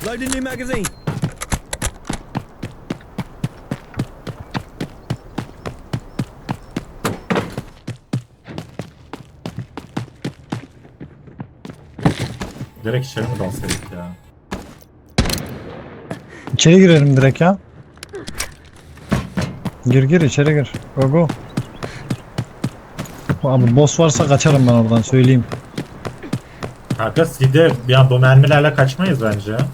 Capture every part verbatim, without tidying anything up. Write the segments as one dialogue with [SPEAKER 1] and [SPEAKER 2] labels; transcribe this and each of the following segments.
[SPEAKER 1] Loading new magazine.
[SPEAKER 2] Direkt içeri mi dalsaydık ya?
[SPEAKER 3] İçeri girelim direkt ya. Gir gir içeri gir. Go go. Abi boss varsa kaçarım ben oradan söyleyeyim.
[SPEAKER 2] Kanka Sid'e ya bu mermilerle kaçmayız bence ya.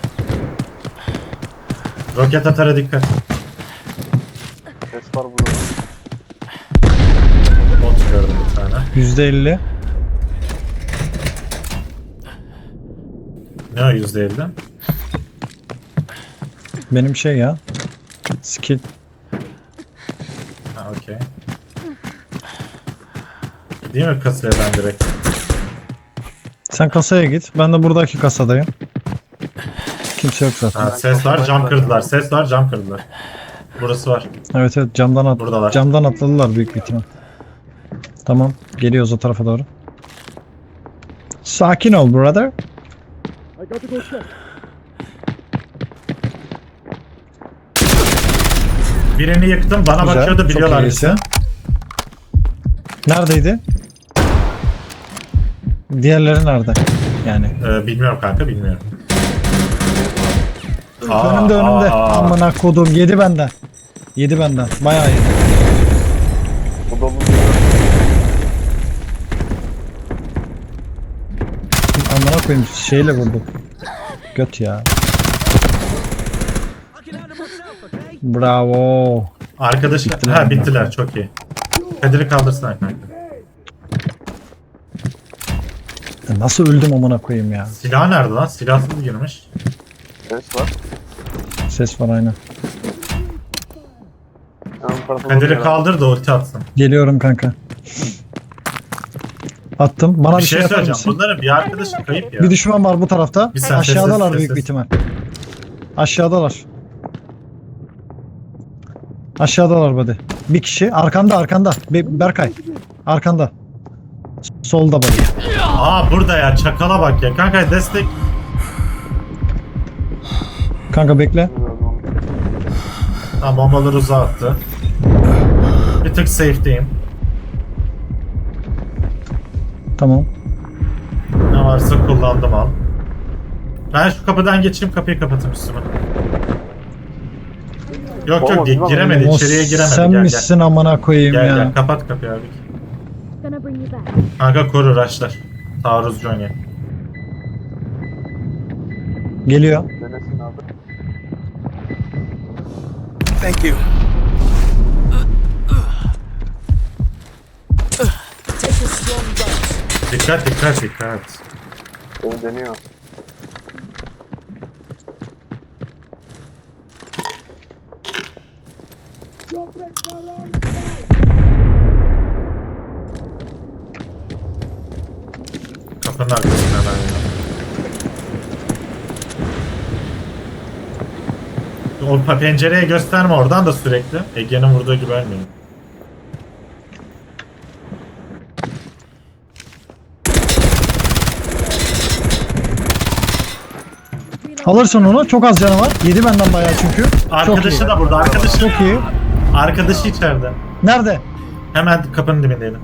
[SPEAKER 2] Roket atara dikkat.
[SPEAKER 4] Ses var burada.
[SPEAKER 2] Bot gördüm bir tane.
[SPEAKER 3] yüzde elli.
[SPEAKER 2] Ne o yüzde elli?
[SPEAKER 3] Benim şey ya. Skill.
[SPEAKER 2] Ha okey. Değil mi kasaya ben direkt?
[SPEAKER 3] Sen kasaya git. Ben de buradaki kasadayım. Kimse yok zaten.
[SPEAKER 2] Ha, ses var cam kırdılar. Ses var cam kırdılar. Burası var.
[SPEAKER 3] Evet evet camdan at.
[SPEAKER 2] Buradalar.
[SPEAKER 3] Camdan atladılar büyük bir ihtimal. Tamam. Geliyoruz o tarafa doğru. Sakin ol brother.
[SPEAKER 2] Birini yıktım bana
[SPEAKER 3] Güzel,
[SPEAKER 2] bakıyordu
[SPEAKER 3] çok
[SPEAKER 2] biliyorlar
[SPEAKER 3] iyisin.
[SPEAKER 2] bizi.
[SPEAKER 3] Neredeydi? Diğerleri nerede? Yani.
[SPEAKER 2] Ee, bilmiyorum kanka bilmiyorum.
[SPEAKER 3] önümde önümde.
[SPEAKER 2] aa.
[SPEAKER 3] Amına kodum yedi benden. Yedi benden. Bayağı yedi.
[SPEAKER 4] Bu dolu.
[SPEAKER 3] Amına koyayım şeyle vurdu. Göt ya.
[SPEAKER 1] I can handle myself, okay?
[SPEAKER 3] Bravo.
[SPEAKER 2] Arkadaş
[SPEAKER 3] Bittiler
[SPEAKER 2] ha
[SPEAKER 3] mi?
[SPEAKER 2] bittiler çok iyi. Kadir'i kaldırsana kanka.
[SPEAKER 3] Ya nasıl öldüm amına koyayım ya.
[SPEAKER 2] Silah nerede lan? Silahsız girmiş.
[SPEAKER 4] Ses var.
[SPEAKER 3] Ses var aynen.
[SPEAKER 4] Hemen bu tarafa
[SPEAKER 2] Kadir'i
[SPEAKER 4] doğru
[SPEAKER 2] kaldır da ulti atsın.
[SPEAKER 3] Geliyorum kanka. Attım. Bana
[SPEAKER 2] Bir
[SPEAKER 3] bir,
[SPEAKER 2] şey
[SPEAKER 3] şey atar
[SPEAKER 2] söyleyeceğim.
[SPEAKER 3] mısın?
[SPEAKER 2] Bunların bir arkadaşı kayıp ya.
[SPEAKER 3] Bir düşman var bu tarafta.
[SPEAKER 2] Bir sen
[SPEAKER 3] Aşağıdalar
[SPEAKER 2] sessiz,
[SPEAKER 3] büyük bir
[SPEAKER 2] sessiz.
[SPEAKER 3] ihtimal. Aşağıdalar. Aşağıdalar buddy. Bir kişi arkanda arkanda. Be- Berkay. Arkanda. Solda buddy.
[SPEAKER 2] Aa burada ya çakala bak ya. Kanka destek.
[SPEAKER 3] Kanka bekle.
[SPEAKER 2] Tamam bombaları uzağa attı. Bir tık safe'deyim.
[SPEAKER 3] Tamam.
[SPEAKER 2] Ne varsa kullandım al. Ben şu kapıdan geçeyim kapıyı kapatayım üstüme. Yok yok
[SPEAKER 4] Olmaz,
[SPEAKER 2] gi-
[SPEAKER 4] olmaz.
[SPEAKER 2] giremedi
[SPEAKER 3] O
[SPEAKER 2] içeriye giremedi
[SPEAKER 3] sen
[SPEAKER 2] gel
[SPEAKER 3] misin amına koyayım
[SPEAKER 2] gel. Gel
[SPEAKER 3] ya.
[SPEAKER 2] gel kapat kapıyı abi.
[SPEAKER 5] Gonna bring you back.
[SPEAKER 2] Kanka koru raşlar. Taarruzcu oynuyor.
[SPEAKER 3] Geliyor.
[SPEAKER 4] Denesin abi.
[SPEAKER 1] Thank you. Take a strong dose.
[SPEAKER 2] Dikkat dikkat dikkat.
[SPEAKER 4] Beni deniyor.
[SPEAKER 2] Kapının arkasında hemen ya. O pa- pencereye gösterme oradan da sürekli. Ege'nin vurduğu gibi ölmeyin.
[SPEAKER 3] Alırsın onu. Çok az canı var. Yedi benden bayağı çünkü. Çok
[SPEAKER 2] Arkadaşı
[SPEAKER 3] iyi.
[SPEAKER 2] da burada. Arkadaşı.
[SPEAKER 3] Çok iyi.
[SPEAKER 2] Arkadaşı içeride.
[SPEAKER 3] Nerede?
[SPEAKER 2] Hemen kapının dibindeydim.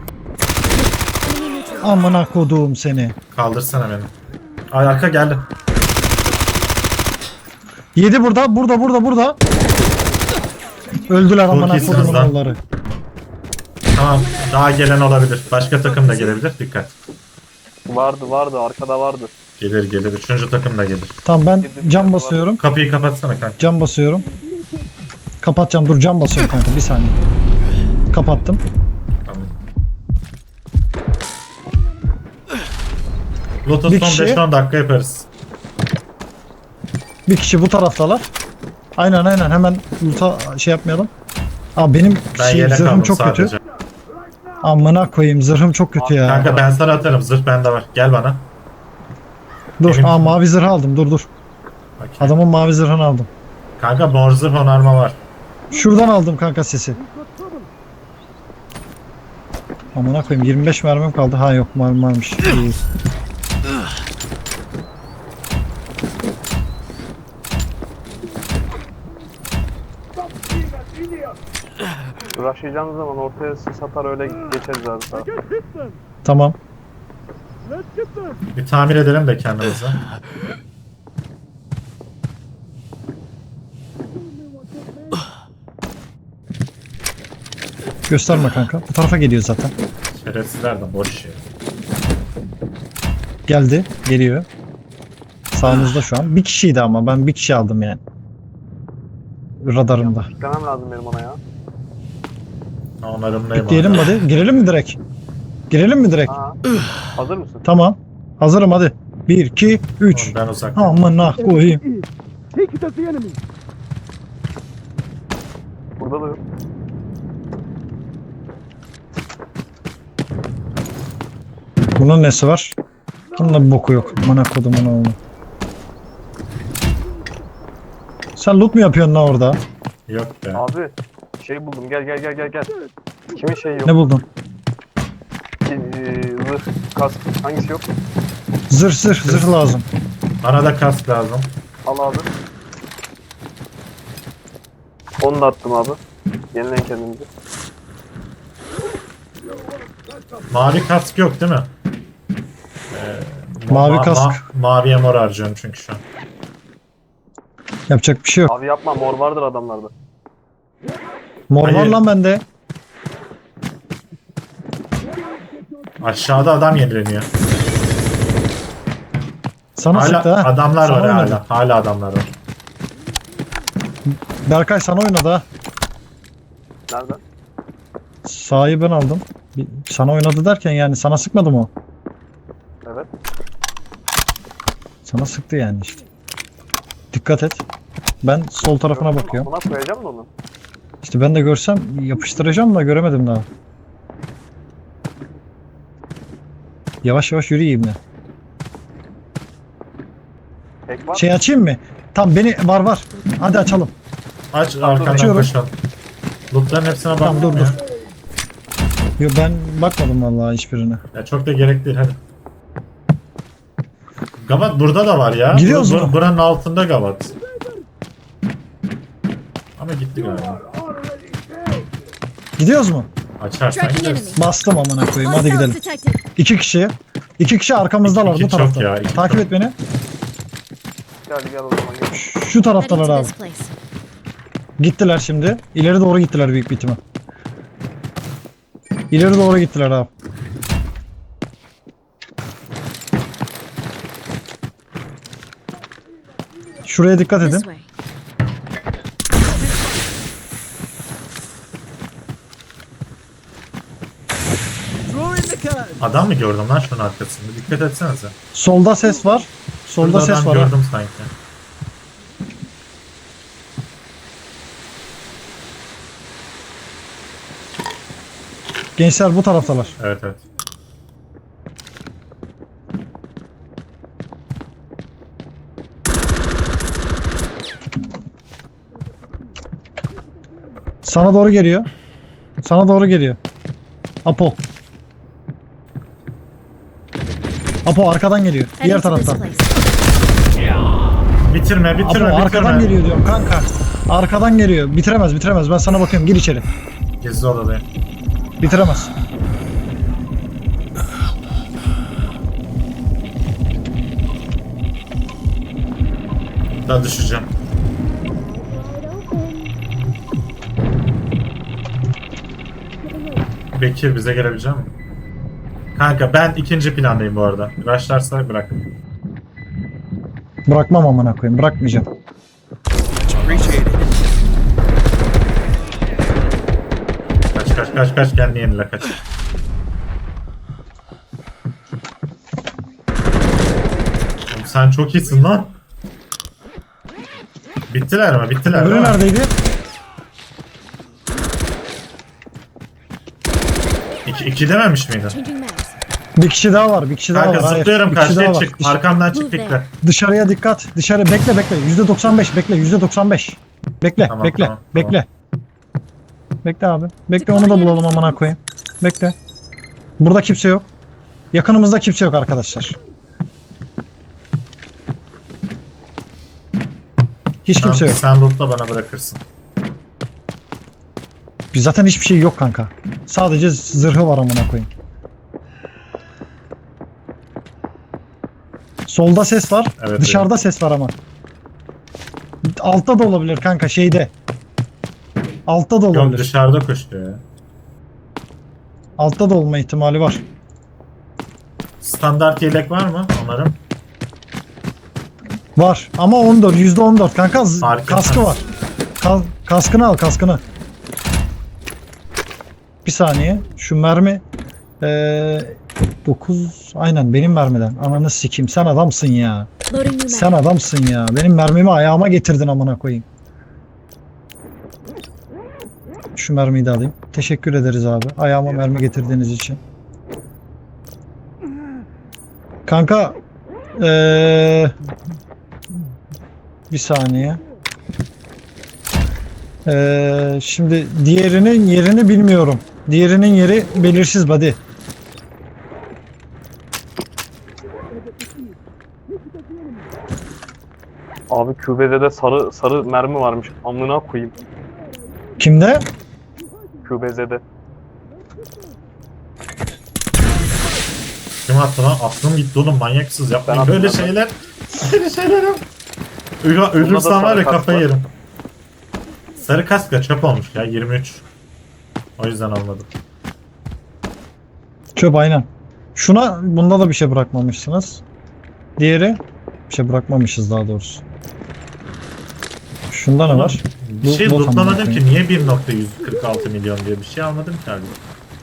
[SPEAKER 3] Amına koduğum seni.
[SPEAKER 2] Kaldırsana beni. Ay arka geldi.
[SPEAKER 3] Yedi burada. Burada burada burada. Öldüler amına
[SPEAKER 2] iyisiniz
[SPEAKER 3] kodumun
[SPEAKER 2] lan.
[SPEAKER 3] oğulları.
[SPEAKER 2] Tamam. Daha gelen olabilir. Başka takım da gelebilir. Dikkat.
[SPEAKER 4] Vardı vardı arkada vardı.
[SPEAKER 2] Gelir gelir. Üçüncü takım da gelir.
[SPEAKER 3] Tamam ben cam basıyorum.
[SPEAKER 2] Kapıyı kapatsana kanka.
[SPEAKER 3] Cam basıyorum. Kapatacağım. Dur cam basıyorum kanka. Bir saniye. Kapattım.
[SPEAKER 2] Tamam. Lotus
[SPEAKER 3] Bir
[SPEAKER 2] son
[SPEAKER 3] kişi-
[SPEAKER 2] beş on dakika yaparız.
[SPEAKER 3] Bir kişi bu taraftalar. Aynen aynen hemen loot'a şey yapmayalım. Aa benim
[SPEAKER 2] Ben
[SPEAKER 3] şey,
[SPEAKER 2] yelek
[SPEAKER 3] zırhım
[SPEAKER 2] aldım
[SPEAKER 3] çok
[SPEAKER 2] sadece.
[SPEAKER 3] kötü. Amına koyayım zırhım çok kötü ya.
[SPEAKER 2] Kanka ben sana atarım. Zırh bende var. Gel bana.
[SPEAKER 3] Dur
[SPEAKER 2] benim-
[SPEAKER 3] aa mavi zırh aldım dur dur.
[SPEAKER 2] Okey.
[SPEAKER 3] Adamın mavi zırhını aldım.
[SPEAKER 2] Kanka mor zırh onarma var.
[SPEAKER 3] Şuradan aldım kanka sesi. Amına koyayım yirmi beş mermim kaldı. Ha yok mermi varmış. İyi.
[SPEAKER 4] Rushlayacağınız zaman ortaya sis atar öyle geçeriz abi sağa.
[SPEAKER 3] Tamam.
[SPEAKER 2] Bir tamir edelim de kendimizi.
[SPEAKER 3] Gösterme kanka. Bu tarafa geliyor zaten.
[SPEAKER 2] Şerefsizler de boş yer.
[SPEAKER 3] Geldi. Geliyor. Sağımızda şu an. Bir kişiydi ama ben bir kişi aldım yani. Radarımda.
[SPEAKER 4] Gitmem lazım benim ona ya.
[SPEAKER 2] Onarımdayım.
[SPEAKER 3] Diyelim hadi. Girelim mi direkt? Girelim mi direkt?
[SPEAKER 4] Aa, hazır mısın?
[SPEAKER 3] Tamam. Hazırım hadi. bir, iki, üç.
[SPEAKER 2] Ben uzak.
[SPEAKER 3] Amına koyayım.
[SPEAKER 1] Take it at the enemy.
[SPEAKER 4] Burada da yok.
[SPEAKER 3] Bunun nesi var? Bunun bir boku yok. Amına kodumun oğlu. Sen loot mu yapıyorsun lan orada?
[SPEAKER 2] Yok be.
[SPEAKER 4] Abi şey buldum gel gel gel gel gel. Kimin şeyi yok?
[SPEAKER 3] Ne buldun?
[SPEAKER 4] Ki, e, zırh, kask hangisi yok?
[SPEAKER 3] Zırh zırh zırh lazım.
[SPEAKER 2] Bana da kask lazım.
[SPEAKER 4] Al abi. Onu da attım abi. Yenileyin kendinizi.
[SPEAKER 2] Mavi kask yok değil mi? Ee,
[SPEAKER 3] Mavi kask.
[SPEAKER 2] maviye mor harcıyorum çünkü şu an.
[SPEAKER 3] Yapacak bir şey yok.
[SPEAKER 4] Abi yapma mor vardır adamlarda.
[SPEAKER 3] Mor var
[SPEAKER 2] Hayır.
[SPEAKER 3] lan bende.
[SPEAKER 2] Aşağıda adam yenileniyor.
[SPEAKER 3] Sana
[SPEAKER 2] Hala
[SPEAKER 3] sıktı ha.
[SPEAKER 2] adamlar
[SPEAKER 3] Sana
[SPEAKER 2] var
[SPEAKER 3] oynadı.
[SPEAKER 2] hala. Hala adamlar var.
[SPEAKER 3] Berkay sana oynadı ha.
[SPEAKER 4] Nerede?
[SPEAKER 3] Sağı ben aldım. Bir- Sana oynadı derken yani sana sıkmadı mı o?
[SPEAKER 4] Evet.
[SPEAKER 3] Sana sıktı yani işte. Dikkat et. Ben sol tarafına bakıyorum.
[SPEAKER 4] Buna koyacağım da onu.
[SPEAKER 3] İşte ben de görsem yapıştıracağım da göremedim daha. Yavaş yavaş yürüyeyim de.
[SPEAKER 4] Tek var.
[SPEAKER 3] Şey açayım mı? Tam beni var var. Hadi açalım.
[SPEAKER 2] Aç arkandan
[SPEAKER 3] Açıyorum.
[SPEAKER 2] koşalım. Lootların hepsine
[SPEAKER 3] Tamam
[SPEAKER 2] baktım
[SPEAKER 3] dur
[SPEAKER 2] ya.
[SPEAKER 3] dur. Yo, ben bakmadım vallahi hiçbirine.
[SPEAKER 2] Ya çok da gerek değil hadi. Gavat burada da var ya.
[SPEAKER 3] Gidiyoruz
[SPEAKER 2] Bu-
[SPEAKER 3] mu?
[SPEAKER 2] bu- Buranın altında Gavat. Ama gitti galiba.
[SPEAKER 3] Gidiyoruz mu?
[SPEAKER 2] Açarsan
[SPEAKER 5] Tracking
[SPEAKER 2] gideriz.
[SPEAKER 5] enemy.
[SPEAKER 3] Bastım amına koyayım. Hadi
[SPEAKER 5] Hostiles
[SPEAKER 3] gidelim.
[SPEAKER 5] detected.
[SPEAKER 3] İki kişi. İki kişi arkamızdalar
[SPEAKER 2] İki
[SPEAKER 3] bu
[SPEAKER 2] çok
[SPEAKER 3] tarafta.
[SPEAKER 2] ya, iki
[SPEAKER 3] Takip
[SPEAKER 2] çok.
[SPEAKER 3] et beni.
[SPEAKER 4] Gel gel o zaman gel.
[SPEAKER 3] Şu
[SPEAKER 5] Heading
[SPEAKER 3] taraftalar
[SPEAKER 5] to
[SPEAKER 3] abi.
[SPEAKER 5] this place.
[SPEAKER 3] Gittiler şimdi. İleri doğru gittiler büyük bir ihtimal. İleri doğru gittiler abi. Şuraya dikkat
[SPEAKER 5] This
[SPEAKER 3] edin.
[SPEAKER 5] way.
[SPEAKER 1] Throw in the card.
[SPEAKER 2] Adam mı gördüm lan şunun arkasında? Dikkat etsenize.
[SPEAKER 3] Solda ses var. Solda
[SPEAKER 2] Şurada
[SPEAKER 3] ses
[SPEAKER 2] adam
[SPEAKER 3] var. ha.
[SPEAKER 2] gördüm sanki.
[SPEAKER 3] Gençler bu taraftalar.
[SPEAKER 2] Evet evet.
[SPEAKER 3] Sana doğru geliyor. Sana doğru geliyor. Apo. Apo arkadan geliyor. Diğer
[SPEAKER 5] Heading to this
[SPEAKER 3] taraftan.
[SPEAKER 5] place.
[SPEAKER 2] Bitirme
[SPEAKER 3] Apo
[SPEAKER 2] bitirme
[SPEAKER 3] arkadan
[SPEAKER 2] bitirme.
[SPEAKER 3] geliyor diyorum kanka. Arkadan geliyor. Bitiremez bitiremez. Ben sana bakıyorum. Gir içeri.
[SPEAKER 2] Gizli odadayım.
[SPEAKER 3] Bitiremez.
[SPEAKER 2] Daha düşeceğim. Bekir bize gelebilecek mi? Kanka ben ikinci plandayım bu arada. Rushlarsa bırak.
[SPEAKER 3] Bırakmam amına koyayım. Bırakmayacağım.
[SPEAKER 1] Appreciate it.
[SPEAKER 2] Kaç kaç kaç kaç kendi yenile kaç. Oğlum sen çok iyisin lan. Bittiler mi? Bittiler
[SPEAKER 3] Öbürü
[SPEAKER 2] değil mi?
[SPEAKER 3] neredeydi?
[SPEAKER 2] İki, iki dememiş miydin?
[SPEAKER 5] Changing mags.
[SPEAKER 3] Bir kişi daha var. Bir kişi daha
[SPEAKER 2] Kanka
[SPEAKER 3] var. Hayır.
[SPEAKER 2] zıplıyorum
[SPEAKER 3] Bir kişi daha
[SPEAKER 2] karşıya
[SPEAKER 3] var.
[SPEAKER 2] çık.
[SPEAKER 3] Dış-
[SPEAKER 2] Arkamdan çık
[SPEAKER 5] Move
[SPEAKER 2] dikkat.
[SPEAKER 5] there.
[SPEAKER 3] Dışarıya dikkat. Dışarı bekle bekle. yüzde doksan beş bekle. yüzde doksan beş. Bekle
[SPEAKER 2] Tamam,
[SPEAKER 3] bekle
[SPEAKER 2] tamam,
[SPEAKER 3] bekle. Bekle abi. Bekle onu da bulalım amına koyayım. Bekle. Burada kimse yok. Yakınımızda kimse yok arkadaşlar. Hiç kimse
[SPEAKER 2] Sen,
[SPEAKER 3] yok.
[SPEAKER 2] sen lootla bana bırakırsın.
[SPEAKER 3] Zaten hiçbir şey yok kanka. Sadece zırhı var amına koyayım. Solda ses var.
[SPEAKER 2] Evet,
[SPEAKER 3] Dışarıda ses var ama. Altta da olabilir kanka şeyde. Altta da
[SPEAKER 2] Yok
[SPEAKER 3] olabilir.
[SPEAKER 2] dışarıda koşuyor ya.
[SPEAKER 3] Altta da olma ihtimali var.
[SPEAKER 2] Standart yelek var mı onların?
[SPEAKER 3] Var ama on dört yüzde on dört kanka z-
[SPEAKER 2] Fark
[SPEAKER 3] kaskı
[SPEAKER 2] etmez.
[SPEAKER 3] var. Ka- kaskını al kaskını. Bir saniye şu mermi ee, dokuz aynen benim mermiden. Ananı sikeyim sen adamsın ya.
[SPEAKER 5] Loading new
[SPEAKER 3] Sen
[SPEAKER 5] mag.
[SPEAKER 3] adamsın ya. Benim mermimi ayağıma getirdin amına koyayım. Şu mermiyi de alayım. Teşekkür ederiz abi. Ayağıma mermi getirdiğiniz için. Kanka ee, bir saniye. Ee, şimdi diğerinin yerini bilmiyorum. Diğerinin yeri belirsiz buddy.
[SPEAKER 4] Abi Q B Z'de sarı sarı mermi varmış. Amına koyayım.
[SPEAKER 3] Kimde?
[SPEAKER 4] Q B Z'de.
[SPEAKER 2] Kim attı lan? Aklım gitti oğlum, manyaksız yapmayın
[SPEAKER 4] Ben
[SPEAKER 2] böyle
[SPEAKER 4] attım, ben.
[SPEAKER 2] şeyler. Böyle şeyler yap. Ölü, ölürsem
[SPEAKER 4] sarı
[SPEAKER 2] var ya
[SPEAKER 4] kask
[SPEAKER 2] kafayı
[SPEAKER 4] var.
[SPEAKER 2] yerim. Sarı kask da çöp olmuş ya, yirmi üç. O yüzden almadım.
[SPEAKER 3] Çöp aynen. Şuna bunda da bir şey bırakmamışsınız. Diğeri bir şey bırakmamışız daha doğrusu. Şunda ne var?
[SPEAKER 2] Bir
[SPEAKER 3] Bu-
[SPEAKER 2] şey
[SPEAKER 3] bu
[SPEAKER 2] lootlamadım
[SPEAKER 3] tamam.
[SPEAKER 2] ki, niye bir nokta yüz kırk altı milyon diye bir şey almadım ki abi.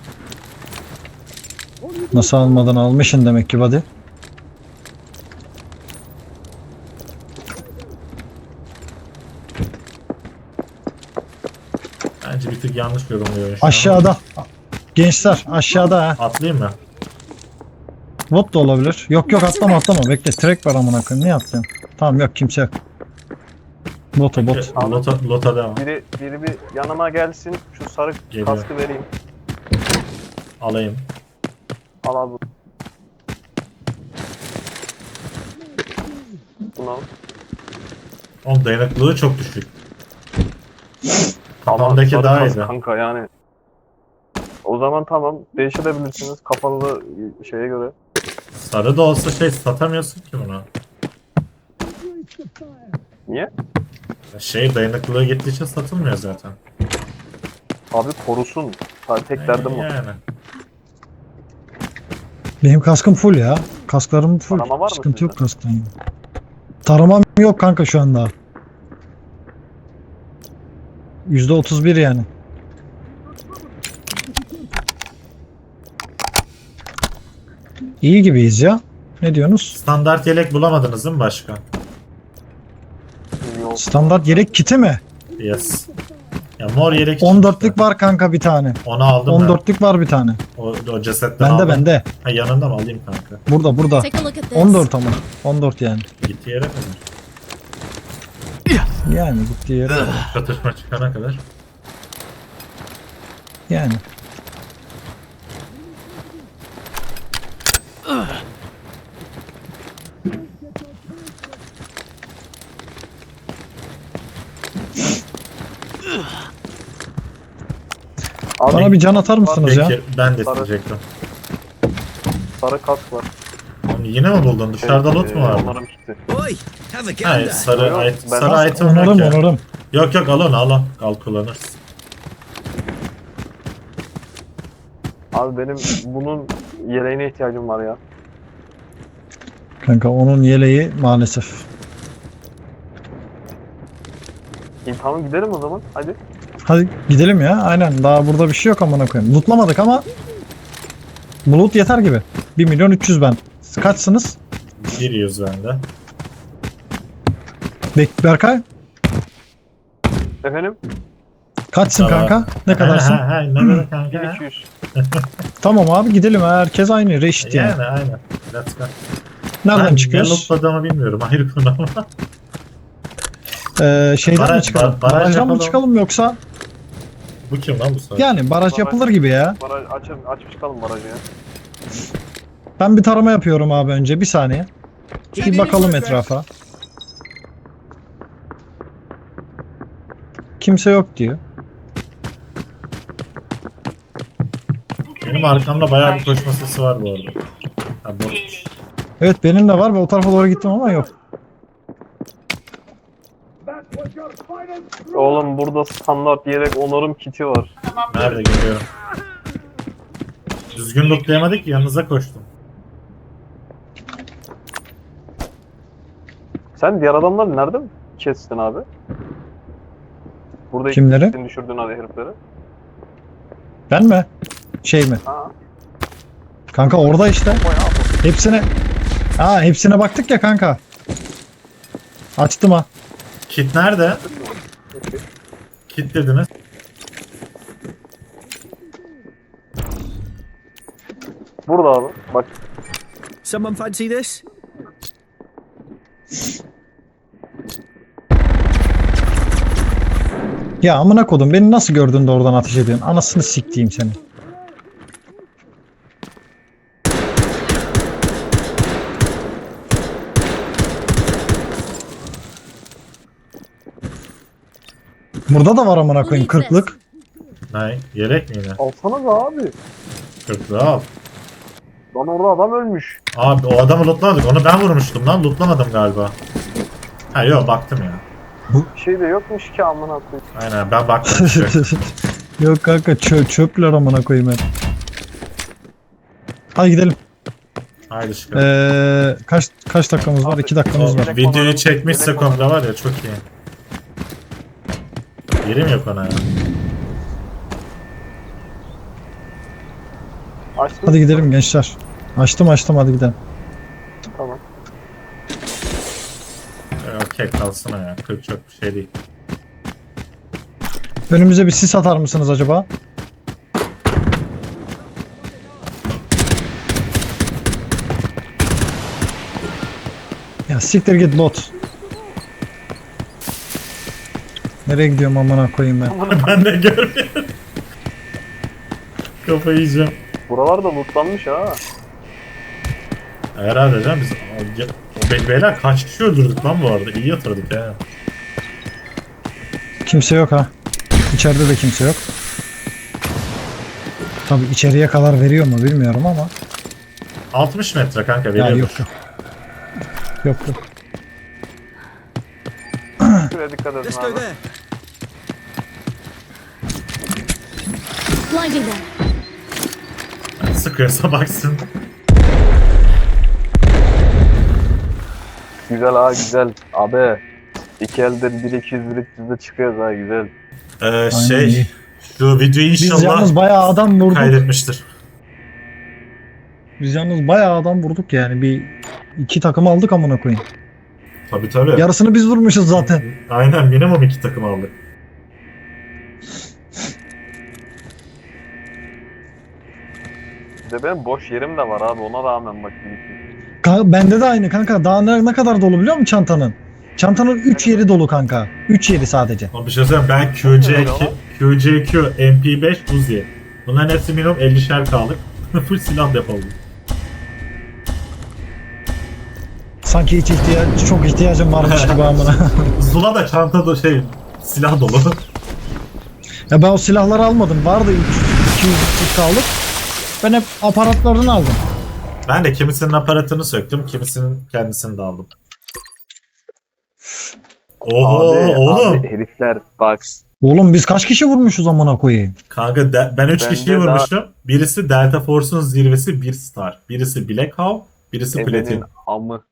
[SPEAKER 3] Nasıl almadan almışsın demek ki buddy.
[SPEAKER 2] Bence bir tık yanlış yorumluyor şu an.
[SPEAKER 3] Aşağıda. Gençler aşağıda ha.
[SPEAKER 2] Atlayayım mı?
[SPEAKER 3] Bot da olabilir. Yok yok atlama atlama. Bekle track var amına koyayım. Niye atlıyorum? Tamam yok kimse yok. Bota bot.
[SPEAKER 2] Lota, lota devam.
[SPEAKER 4] Biri biri bir yanıma gelsin. Şu sarı
[SPEAKER 2] Geliyor.
[SPEAKER 4] kaskı vereyim.
[SPEAKER 2] Alayım.
[SPEAKER 4] Al al bunu. Bunu al.
[SPEAKER 2] Oğlum dayanıklılığı çok düşük.
[SPEAKER 4] Ama
[SPEAKER 2] Kafamdaki
[SPEAKER 4] sarı
[SPEAKER 2] daha
[SPEAKER 4] kask
[SPEAKER 2] iyiydi.
[SPEAKER 4] kanka yani. O zaman tamam değiştirebilirsiniz kafanızı şeye göre.
[SPEAKER 2] Sarı da olsa şey satamıyorsun ki bunu.
[SPEAKER 4] Niye?
[SPEAKER 2] Şey dayanıklılığı gittiği için satılmıyor zaten.
[SPEAKER 4] Abi korusun. Sadece tek derdim o.
[SPEAKER 2] Yani.
[SPEAKER 3] Benim kaskım full ya. Kasklarım full.
[SPEAKER 4] Tarama var mı
[SPEAKER 3] Sıkıntı yok
[SPEAKER 4] sizde?
[SPEAKER 3] kasktan. ya. Taramam yok kanka şu anda. yüzde otuz bir yani. İyi gibiyiz ya. Ne diyorsunuz?
[SPEAKER 2] Standart yelek bulamadınız değil mi başka?
[SPEAKER 4] Yok.
[SPEAKER 3] Standart yelek kiti mi?
[SPEAKER 2] Yes. Ya mor yelek
[SPEAKER 3] on dörtlük
[SPEAKER 2] çıkmıştı.
[SPEAKER 3] var kanka bir tane.
[SPEAKER 2] Onu aldım
[SPEAKER 3] on
[SPEAKER 2] ben.
[SPEAKER 3] dörtlük var bir tane.
[SPEAKER 2] O, o cesetten
[SPEAKER 3] Bende
[SPEAKER 2] aldım.
[SPEAKER 3] bende.
[SPEAKER 2] Ha yanında mı alayım kanka?
[SPEAKER 3] Burada burada.
[SPEAKER 5] Take a look at this.
[SPEAKER 3] on dört ama. on dört yani.
[SPEAKER 2] Gittiği yere kadar.
[SPEAKER 3] Yani gittiği yere.
[SPEAKER 2] Çatışma çıkana kadar.
[SPEAKER 3] Yani.
[SPEAKER 4] Abi
[SPEAKER 3] Bana bir can atar mısınız ya?
[SPEAKER 2] Peki ben de
[SPEAKER 4] Sarı.
[SPEAKER 2] isteyecektim.
[SPEAKER 4] sarı kask var.
[SPEAKER 2] Oğlum yine mi buldun? Dışarıda loot mu
[SPEAKER 4] Ee,
[SPEAKER 2] vardı?
[SPEAKER 4] Onarım kiti.
[SPEAKER 1] Oi, have a gun
[SPEAKER 2] Hayır
[SPEAKER 1] there.
[SPEAKER 2] sarı,
[SPEAKER 4] Yok,
[SPEAKER 2] it,
[SPEAKER 4] ben
[SPEAKER 2] sarı
[SPEAKER 4] nasıl-
[SPEAKER 2] item yok
[SPEAKER 3] Onarım
[SPEAKER 2] ya.
[SPEAKER 3] onarım.
[SPEAKER 2] Yok yok al onu al al. Al kullanırsın.
[SPEAKER 4] Abi benim bunun yeleğine ihtiyacım var ya.
[SPEAKER 3] Kanka onun yeleği maalesef.
[SPEAKER 4] İyi tamam gidelim o zaman. Hadi.
[SPEAKER 3] Hadi gidelim ya. Aynen. Daha burada bir şey yok amına koyayım. Lootlamadık ama bulut yeter gibi. bir milyon üç yüz ben. Siz kaçsınız?
[SPEAKER 2] Bir yüz bende.
[SPEAKER 3] Bek Berkay
[SPEAKER 4] Efendim?
[SPEAKER 3] kaçsın
[SPEAKER 2] Tamam.
[SPEAKER 3] kanka? Ne kadarsın?
[SPEAKER 2] Ha, ha, ha, ne kadar kanka?
[SPEAKER 4] bin
[SPEAKER 2] ha?
[SPEAKER 4] iki yüz.
[SPEAKER 3] Tamam abi gidelim. Herkes aynı. Reşit yani.
[SPEAKER 2] Yani aynen. Let's go.
[SPEAKER 3] Nereden
[SPEAKER 2] Ben ne
[SPEAKER 3] çıkıyoruz?
[SPEAKER 2] lootladığımı bilmiyorum. Ayrı konu ama.
[SPEAKER 3] Ee, şeyden
[SPEAKER 2] Baraj-
[SPEAKER 3] mi çıkalım?
[SPEAKER 2] bar- baraj
[SPEAKER 3] Barajdan mı
[SPEAKER 2] yapalım.
[SPEAKER 3] çıkalım yoksa?
[SPEAKER 2] Bu kim lan bu saat?
[SPEAKER 3] Yani baraj
[SPEAKER 4] Baraj-
[SPEAKER 3] yapılır gibi ya.
[SPEAKER 4] Baraj aç, açıp çıkalım barajı ya.
[SPEAKER 3] Ben bir tarama yapıyorum abi önce. Bir saniye. Bir bakalım etrafa. Kimse yok diyor.
[SPEAKER 2] Benim arkamda bayağı bir koşma sesi var bu arada. Ha, bu...
[SPEAKER 3] Evet benim de var ve o tarafa doğru gittim ama yok.
[SPEAKER 4] Oğlum burada standart yedek onarım kiti var.
[SPEAKER 2] Nerede geliyorum? Düzgün lootlayamadık ki yanınıza koştum.
[SPEAKER 4] Sen diğer adamları nerede mi kestin abi? Burada
[SPEAKER 3] Kimleri?
[SPEAKER 4] ikisini düşürdün hadi herifleri.
[SPEAKER 3] Ben mi? Şey mi?
[SPEAKER 4] Ha.
[SPEAKER 3] Kanka orada işte. Hepsine... Ha hepsine baktık ya kanka. Açtım ha.
[SPEAKER 2] Kit nerede? Kit dediniz.
[SPEAKER 4] Burada abi. Bak
[SPEAKER 1] Someone fancy this?
[SPEAKER 3] Ya amına kodum beni nasıl gördün de oradan ateş ediyorsun? Anasını siktiğim seni. Burada da var amına koyayım kırklık.
[SPEAKER 2] Ne? Yelek mi yine?
[SPEAKER 4] alsana da abi.
[SPEAKER 2] Kırklığı al.
[SPEAKER 4] Lan orada adam ölmüş.
[SPEAKER 2] Abi o adamı lootlamadık. Onu ben vurmuştum lan. Lootlamadım galiba. Ha yok baktım ya.
[SPEAKER 4] Bir şey de yokmuş ki amına koyayım.
[SPEAKER 2] Aynen ben baktım. işte.
[SPEAKER 3] Yok kanka çö çöpler amına koyayım hep. Hadi gidelim.
[SPEAKER 2] Haydi çıkalım.
[SPEAKER 3] Ee, kaç kaç dakikamız var? iki dakikamız var.
[SPEAKER 2] Videoyu çekmişse komple var ya çok iyi. Yerim yok ona ya.
[SPEAKER 4] Açtın
[SPEAKER 3] Hadi gidelim gençler. Açtım açtım hadi gidelim.
[SPEAKER 4] Tamam.
[SPEAKER 2] Ee, Okey kalsın o ya. kırk çok bir şey değil.
[SPEAKER 3] Önümüze bir sis atar mısınız acaba? Ya siktir git bot. Nereye gidiyorum amına koyayım ben?
[SPEAKER 2] Ben de görmüyorum. Kafayı yiyeceğim.
[SPEAKER 4] Buralar da lootlanmış ha.
[SPEAKER 2] Herhalde canım biz o, o be- beyler kaç kişi öldürdük lan bu arada. İyi yatırdık ya.
[SPEAKER 3] Kimse yok ha. İçeride de kimse yok. Tabi içeriye kadar veriyor mu bilmiyorum ama.
[SPEAKER 2] altmış metre kanka
[SPEAKER 3] Ya
[SPEAKER 2] veriyor.
[SPEAKER 3] yok yok. Yok yok.
[SPEAKER 4] Şuraya dikkat edin
[SPEAKER 1] Let's go
[SPEAKER 4] abi.
[SPEAKER 1] there.
[SPEAKER 5] Blinding them.
[SPEAKER 2] Sıkıyorsa baksın.
[SPEAKER 4] Güzel ha güzel. Abi. İki elden bir iki yüz bir iki yüzde çıkıyoruz ha güzel.
[SPEAKER 2] Ee,
[SPEAKER 3] iyi.
[SPEAKER 2] şey şu videoyu
[SPEAKER 3] Biz
[SPEAKER 2] inşallah
[SPEAKER 3] yalnız bayağı adam vurduk.
[SPEAKER 2] kaydetmiştir.
[SPEAKER 3] Biz yalnız bayağı adam vurduk yani. Bir iki takım aldık amına koyayım.
[SPEAKER 2] Tabii tabii.
[SPEAKER 3] Yarısını biz vurmuşuz zaten.
[SPEAKER 2] Aynen minimum iki takım aldık.
[SPEAKER 4] Bir de benim boş yerim de var abi ona rağmen bak. bir iki.
[SPEAKER 3] Kanka, bende de aynı kanka. Daha ne, ne kadar dolu biliyor musun çantanın? Çantanın üç yeri dolu kanka. üç yeri sadece.
[SPEAKER 2] Ama bir şey söyleyeyim ben Q C iki, Q C Q, M P beş, Uzi. Bunların hepsi minimum ellişer kaldık. Full silah depoladık.
[SPEAKER 3] Sanki hiç ihtiyaç, çok ihtiyacım varmış gibi amına.
[SPEAKER 2] Zula da çanta da şey silah dolu.
[SPEAKER 3] Ya ben o silahları almadım. Vardı üç yüz iki yüz kaldık. Ben hep aparatlarını aldım.
[SPEAKER 2] Ben de kimisinin aparatını söktüm, kimisinin kendisini de aldım. Oho
[SPEAKER 4] Abi,
[SPEAKER 2] oğlum.
[SPEAKER 4] abi herifler bak.
[SPEAKER 3] Oğlum biz kaç kişi vurmuşuz amına koyayım?
[SPEAKER 2] Kanka de- ben üç
[SPEAKER 4] Bende
[SPEAKER 2] kişiyi
[SPEAKER 4] daha-
[SPEAKER 2] vurmuşum. Birisi Delta Force'un zirvesi bir star. Birisi Black Hawk, birisi
[SPEAKER 4] Ebenin
[SPEAKER 2] Platin.
[SPEAKER 4] amı.